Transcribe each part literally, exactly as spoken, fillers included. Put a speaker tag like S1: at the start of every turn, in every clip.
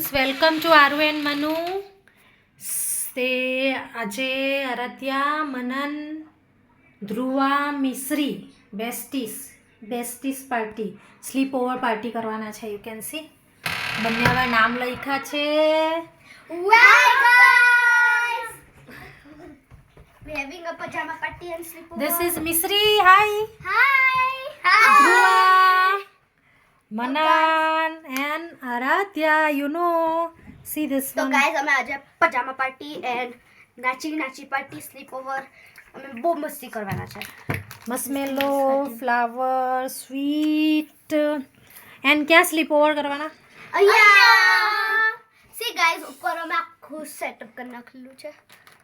S1: Welcome to Aaru and Manu. તે આજે Aaradhya, Manan, Dhruva, Mishri besties besties party sleepover party કરવાના છે. યુ કેન સી બંને હવે નામ લખ્યા છે.
S2: We're having a pajama party and sleepover.
S1: This is Mishri. Hi.
S2: Hi.
S1: Dhruva, Manan and Aaradhya. You know see this
S2: So
S1: one.
S2: guys, અમે આજે pajama party and નાચી નાચી પાર્ટી સ્લીપઓવર અમે બહુ મસ્તી કરવાના છે.
S1: મસ્મેલો, ફ્લાવર, સ્વીટ એન્ડ ક્યાં સ્લીપ ઓવર કરવાના?
S2: અહીંયા સી ગાઈઝ, ઉપર અમે આખું સેટઅપ કરી નાખેલું છે.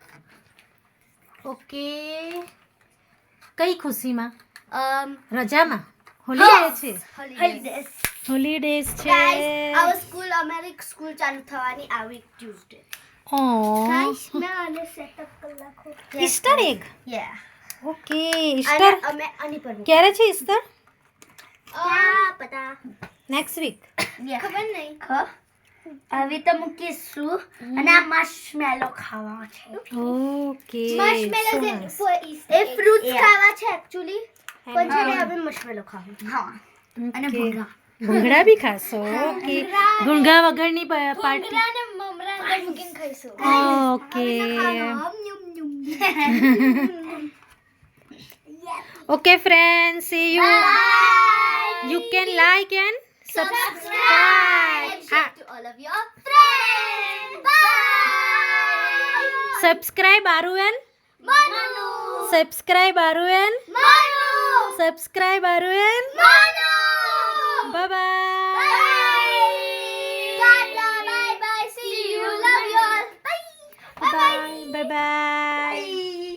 S1: ઓકે. કઈ ખુશીમાં?
S2: um
S1: રજામાં? હોલીડે છે.
S2: holidays.
S1: હોલીડેઝ છે.
S2: Guys, our school અમારી સ્કૂલ ચાલુ થવાની આ વીક ટ્યુઝડે.
S1: ઓ
S2: મેં આને સેટઅપ કરી નાખો.
S1: Easter egg.
S2: યા.
S1: ઓકે.
S2: અને
S1: ઈસ્ટર
S2: અમે આની પર
S1: ક્યારે છે ઈસ્ટર?
S2: ક્યાં પતા
S1: નેક્સ્ટ વીક.
S2: ખબર નહીં. હવે તો મૂકીશું અને આ માર્શમેલો ખાવા છે.
S1: ઓકે.
S2: એ ફ્રૂટ્સ ખાવા છે એકચ્યુઅલી, પણ છે ને હવે માર્શમેલો ખાવું. હા. અને ભૂંગળા.
S1: ભૂંગળા બી ખાશો? ઓકે. ભૂંગળા વગરની પાર્ટી.
S2: અને મમરા અંદર મૂકીને ખાઈશું.
S1: Okay. Okay friend, see you. You can like and subscribe. Ah,
S2: to all of your friends. Bye.
S1: subscribe Aru and
S2: Manu.
S1: subscribe Aru and
S2: Manu.
S1: subscribe Aru and
S2: Manu.
S1: bye bye.
S2: Bye. Tata. Bye bye. See you. Love you all. Bye.
S1: Bye bye. Bye bye.